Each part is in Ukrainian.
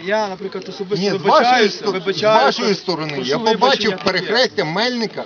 я, наприклад, особисто Ні, вибачаюся. з вашої сторони. Прошу Я побачив вибачення таке. перехрестя Мельника.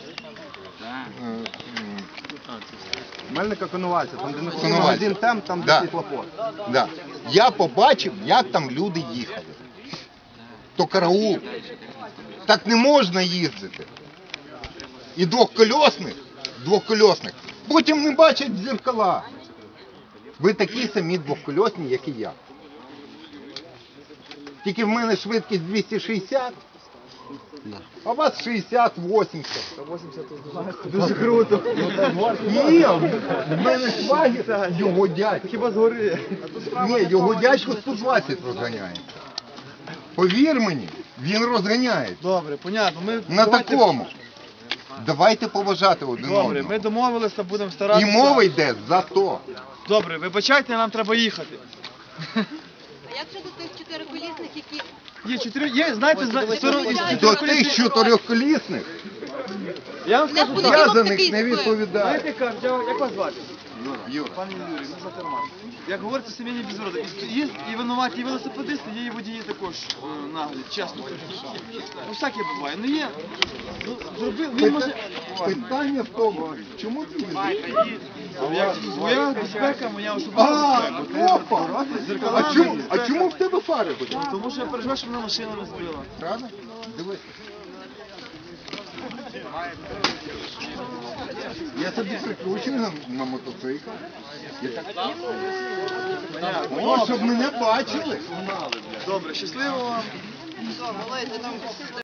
Мельника Коновальця, там де не Коновальця. магазин там де Да. світлофор. Да. Я побачив, як там люди їхали. То караул. Так не можна їздити. І двохкольосних. Потім не бачать дзеркала. Ви такі самі двохкольосні, як і я. Тільки в мене швидкість 260, а у вас 60-80. Дуже круто. Ні, в мене швагір, його дядько. Хіба згори? Ні, його дядько 120 розганяє. Повір мені, він розганяє. Добре, понятно. Ми На давайте- такому. Давайте поважати один Добре, одного. ми домовилися, будемо І старатися. мова йде за то. Добре, вибачайте, нам треба їхати. А як щодо тих чотириколісних, які Є, знаєте, До тих чотирьохколісних я вам не скажу в так. я понеділок за них такий не збив? відповідаю. Знаєте, кажуть, як вас звати? Юра. Пане Юрій, ми за терман. Як говориться, сімейні безвороти. Є і винуваті і велосипедисти, є і водії також наглі, чесно кажучи. Ну, всяке буває. Ну є. Ну, зробив, він може... Питання в тому, чому ти їздиш? Моя безпека, моя особиста безпека. Опа! Зеркала, А чому в тебе фари будуть? Тому що я переживаю, щоб мене машина не збила. Правда? Дивись. Я собі прикручую на мотоцикл. О, щоб мене бачили. Добре, щасливо вам.